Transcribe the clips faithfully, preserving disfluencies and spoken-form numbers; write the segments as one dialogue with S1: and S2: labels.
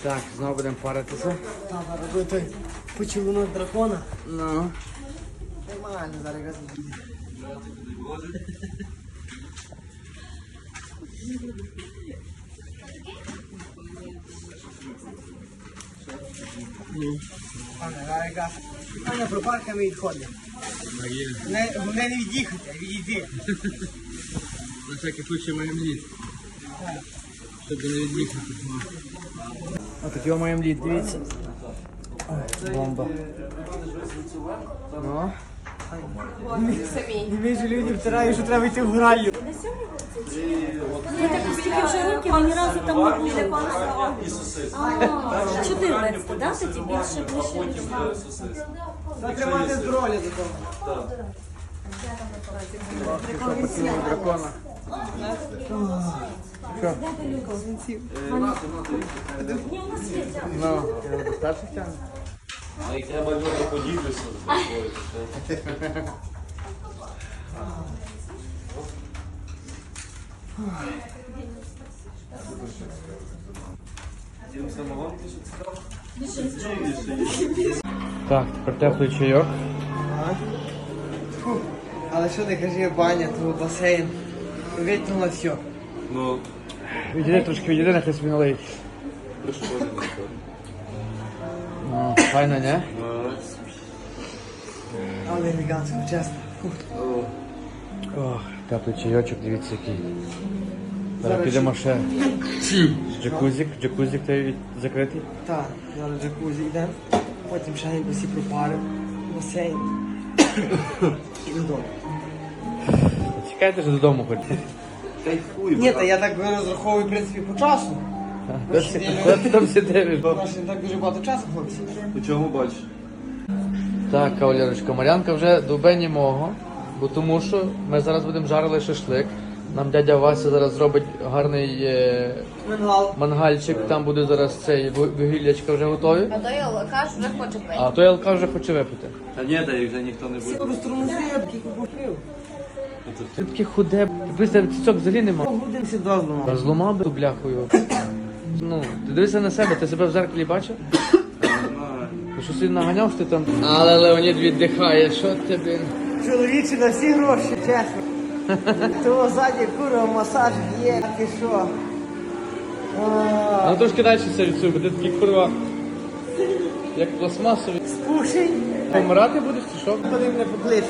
S1: Так, знову будемо паритися.
S2: Та, робити той поцілунок дракона.
S1: Ну.
S2: Нормально, зараз якраз буде. Пане, зараз якраз. Аня про парками відходить. Не, головне не від'їхати, а відійти.
S1: На всякий случай маємо лід. Щоб не від'їхати. Ось тут його маємо лід, дивіться. Ой, бомба. Ну.
S2: І ви ж люди втирають, що треба йти в граю.
S3: Я так стільки вже років, а ні разу там не був для пана. А, чотирнадцять, да? Тоді більше, більше.
S2: Треба тримати здоров'я до того.
S1: Поцілуй дракона. Що?
S3: Ні, у нас є ця.
S1: Ну, я до старших тягну.
S4: А як треба люди поділитися з тобою.
S1: Так, тепер теплий чайок.
S2: Фу. Але що ти кажи, баня, то басейн. Витягнуло все.
S4: Ну,
S1: Відійди трошки, відійди, нехай собі налиють.
S4: пришкодили.
S1: Ну, файно, не?
S2: Але елегантно, чесно. Фу.
S1: Ох, теплий чайочок, дивіться який. Зараз підемо ще. Джакузик, джакузик той від- закритий.
S2: Так, зараз джакузі йдемо. Потім ще якось і пропарив. Басейн. І додому.
S1: Чекайте ж додому хоч.
S4: Кайфуй,
S2: Ні, та я так розраховую, в принципі, по часу.
S1: Куди ти- куди ти там сидиш?
S2: У нас ще не так дуже багато часу, хлопці.
S4: По чому бачиш?
S1: Так, кавалерочка, Мар'янка вже до мого, бо тому що ми зараз будемо жарили шашлик. Нам дядя Вася зараз зробить гарний е,
S2: Мангал.
S1: мангальчик, там буде зараз цей вугіллячка вже готові.
S3: А той алкаш вже хоче пити.
S1: А той Алка вже хоче випити.
S4: Та ні, та їх вже ніхто не буде.
S2: Всі розтормозив, я тільки купив.
S1: Ти таке худе, пристав цицьок взагалі нема.
S2: Годинці два зламав.
S1: Розломав би ту бляхою. Ну, ти дивися на себе, ти себе в зеркалі бачив? Ти що собі наганяв, що ти там. Але Леонід віддихає, що ти, блін.
S2: Чоловічі на всі гроші, чесно. Того ззаді курва масаж є, ти що?
S1: А ну трошки далі все відсуй, бо ти такий курва, як пластмасовий.
S2: Спушень.
S1: Помирати будеш чи що?
S2: Коли мене покличуть.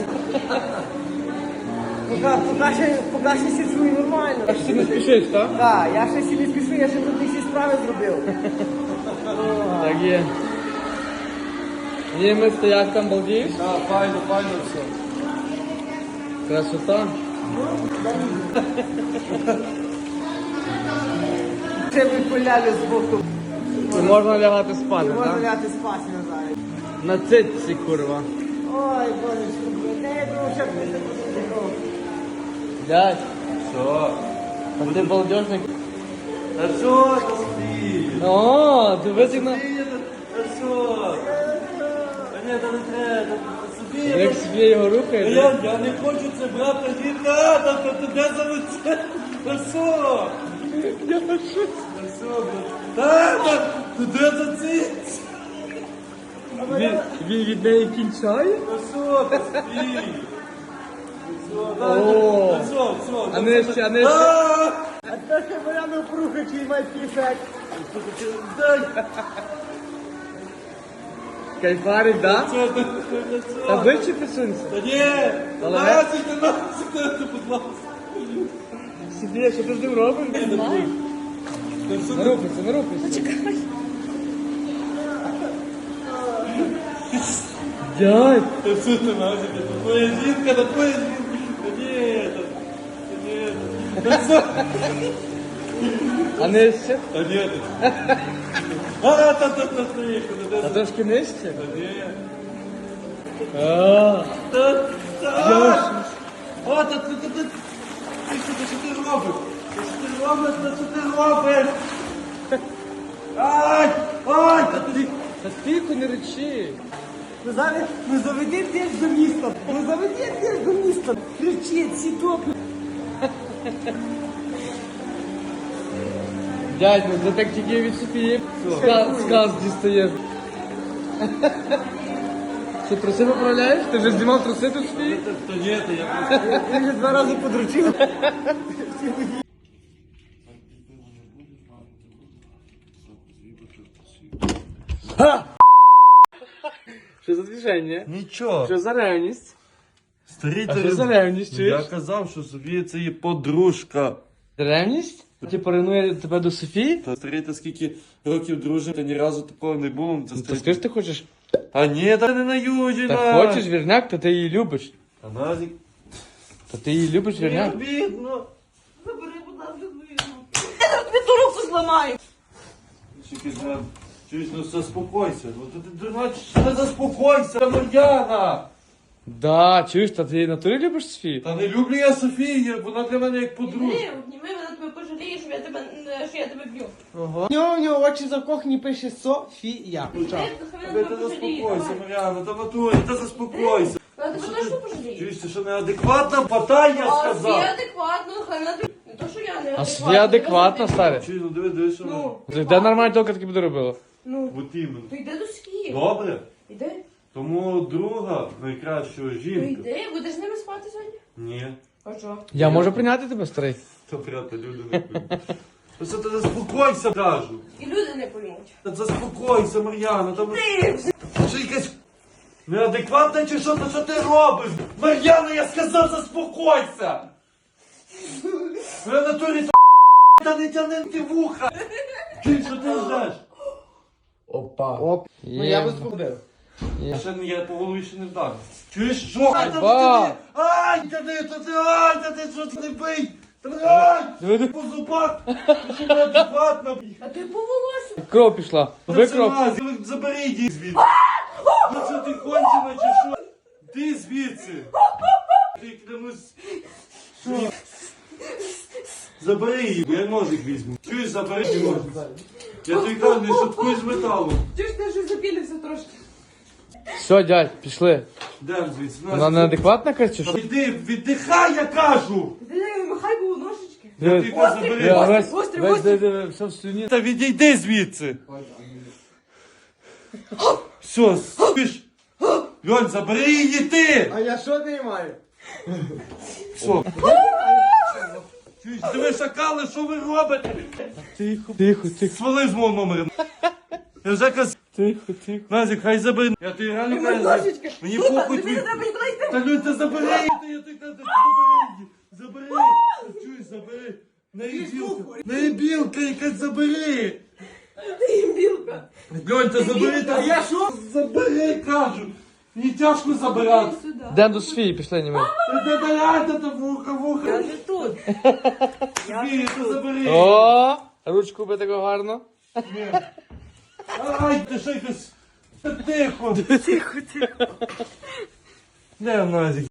S2: Поки, поки, ще, поки ще сі чую нормально.
S1: А що ти не спішиш, так?
S2: Так, я ще сі не спішу, я ще тут всі справи зробив.
S1: Так є. Німець, ти як там балдієш?
S4: Так, файно, файно все.
S1: Красота.
S2: Ще би полялю з боку.
S1: І можна лягати спати,
S2: Можна
S1: так?
S2: ляти спати назад.
S1: На цитці, курва.
S2: Ой, божечко, де я думав, що ти не такого.
S1: Дядь,
S4: Що?
S1: а ти балдежник.
S4: Та що ти спій?
S1: О, ти визігна.
S4: Та що? Та ні, та не треба, та собі.
S1: Як собі його рухає,
S4: Я, я не хочу це брати, ні, та, та, та, та, де за лице? Та що? Та що, брат? Та, та, та, де за ці?
S1: він, він від неї кінчає?
S4: Та що, та спій?
S1: О.
S4: Та що, що?
S1: А нижче, а нижче.
S4: А!
S2: А це ще моя напруга, чий має пісать.
S1: Кайфарить, да?
S4: Що, та, та, що?
S1: Та ближче присунься.
S4: Та ні!
S1: Але-
S4: Насик, ти насик, ти, будь ласка.
S1: Сиди, що ти з ним робиш?
S4: Та що
S1: Не
S4: ти?
S1: рухайся, не рухайся. Дядь,
S4: Та що ти насик? Та твоя жінка, та твоя жінка. Та ні, та, та ні, та, та що?
S1: а нижче?
S4: Та ні, та. А, та, та, та, та, та,
S1: Та
S4: та,
S1: трошки нижче?
S4: та, ні.
S1: А,
S4: Та, та. О, та, та, та, та. Ти що, ти що ти робиш? Та що ти робиш? Та що ти робиш? Ай! Ай! Та ти...
S1: та тихо, не речи.
S2: Ну зараз, ну заведи теж до міста. Ну заведи теж до міста. Кричить, всі топи.
S1: Дядь, ну ти так тільки від Софії сказ, сказ дістаєш. Що, труси поправляєш? Ти вже знімав труси тут Софії?
S4: Та ні, то я просто...
S2: Ти вже два рази подручив.
S1: Що за движення?
S4: Нічого.
S1: Що за ревність?
S4: Старий,
S1: А
S4: ти
S1: що за
S4: роз-
S1: ревність,
S4: Я
S1: чуєш?
S4: казав, що Софія це є подружка.
S1: Ревність? Ти поринує тебе до Софії?
S4: Та старий, та скільки років дружимо, та ні разу такого не було. Це
S1: Ну, то
S4: старий.
S1: скажи, ти хочеш?
S4: Та ні, та не наюджена.
S1: Та хочеш вірняк, то ти її любиш.
S4: Та Назік.
S1: То ти її любиш
S4: Не
S1: вірняк?
S4: обідно.
S3: Забери, будь ласка, звину. Я тобі ту руку зламаю.
S4: Тільки знаю. Чуєш, ну заспокойся. Ну то ти дурна, що не заспокойся, та Мар'яна.
S1: Да, чуєш, та ти натурі любиш Софію?
S4: Та не люблю я Софію, вона для мене як подружка.
S3: Ні, обніми мене, тебе пожалієш, що я тебе, е, що я тебе б'ю.
S2: Ого. У нього, у нього очі закохані, пише Софія.
S3: Ти, хай
S4: Та
S3: мене
S4: ти
S3: тебе пожаліє.
S4: заспокойся, Мар'яна, та натурі, та заспокойся.
S3: Я тебе точно пожалію.
S4: Чуєш, ти що неадекватна? Потай, я
S3: А Софія
S4: сказав.
S3: адекватно, хай мене тобі- не то, що я не
S1: А Софія адекватна, старе.
S4: Чуєш, ну диви, диви, що вона.
S3: Ну,
S1: Ти де нормально тільки таки буде робила?
S3: ну,
S4: От іменно.
S3: то йди до Софії.
S4: Добре?
S3: Іди,
S4: Тому друга найкращого
S3: то
S4: жінка.
S3: йди, будеш з ними спати сьогодні?
S4: Ні.
S3: А що?
S1: Я можу прийняти тебе, старий?
S4: То брата, люди не поймуть. Просто ти заспокойся, кажу.
S3: І люди не поймуть.
S4: Та заспокойся, Мар'яна, там... Що якась неадекватна чи що? Та що ти робиш? Мар'яна, я сказав, заспокойся! Ви в натурі то та не тяни ти вуха! Чуй, що ти ждеш?
S2: Опа. Оп. Ну я
S1: Є.
S2: би спробив.
S4: Я ще не, я по голові ще не вдарив. Чуєш, що? Ай, та
S1: Ба!
S4: ти, ай, та ти, та ти, ай, та ти, що ти не бий? Та ти, ай,
S1: Диви, диви.
S4: по зубах, ти що неадекватна?
S3: А ти по волосю.
S1: Кров пішла. Ви кров.
S4: Це забери її звідси. Ну що ти кончена чи що? Ти звідси. Ти клянусь. Що? Забери її, бо я ножик візьму. Чуєш, забери її ножик. Я тобі кажу, не шуткуй з металом.
S3: Чуєш, ти вже запілився трошки.
S1: Все, дядь, пішли.
S4: Дем звідси. на,
S1: Вона
S4: звідси.
S1: неадекватна, каже, чи що?
S4: Відди, віддихай, я кажу.
S3: Ти махай було ножички.
S4: Я тобі
S1: Диви,
S4: кажу,
S1: диви,
S4: забери.
S1: весь,
S3: Гострий,
S1: весь,
S3: гострий.
S1: диви, диви, все в слюні.
S4: Та відійди звідси. Все, спиш. Льонь, забери її ти.
S2: А я що не маю?
S4: Все. Чуєш, диви, шакали, що ви робите?
S1: Тихо, тихо, тихо,
S4: Свали з мого номера. Я вже казав.
S1: тихо, тихо.
S4: Назік, хай забери. Я тобі реально кажу.
S3: Ножички.
S4: Мені похуй
S3: Тобі не
S4: твій.
S3: треба нікуди йти.
S4: Та Людь, та забери її, та я тобі кажу, забери її. Забери. Та чуєш, забери. Не білка. Не білка, якась забери.
S3: Ти їм білка.
S4: Льонь, та забери. Та я що? Забери, кажу. Мені тяжко забирати.
S3: Сюди.
S1: Йдемо до Софії, пішли, німи.
S4: Та та та та та вуха,
S3: Я
S4: вуха.
S3: не тут.
S4: Ні, та забери.
S1: О, ручку би таку гарно.
S4: Ай, ти що якось. Та тихо. Тихо, тихо. Не, Назік.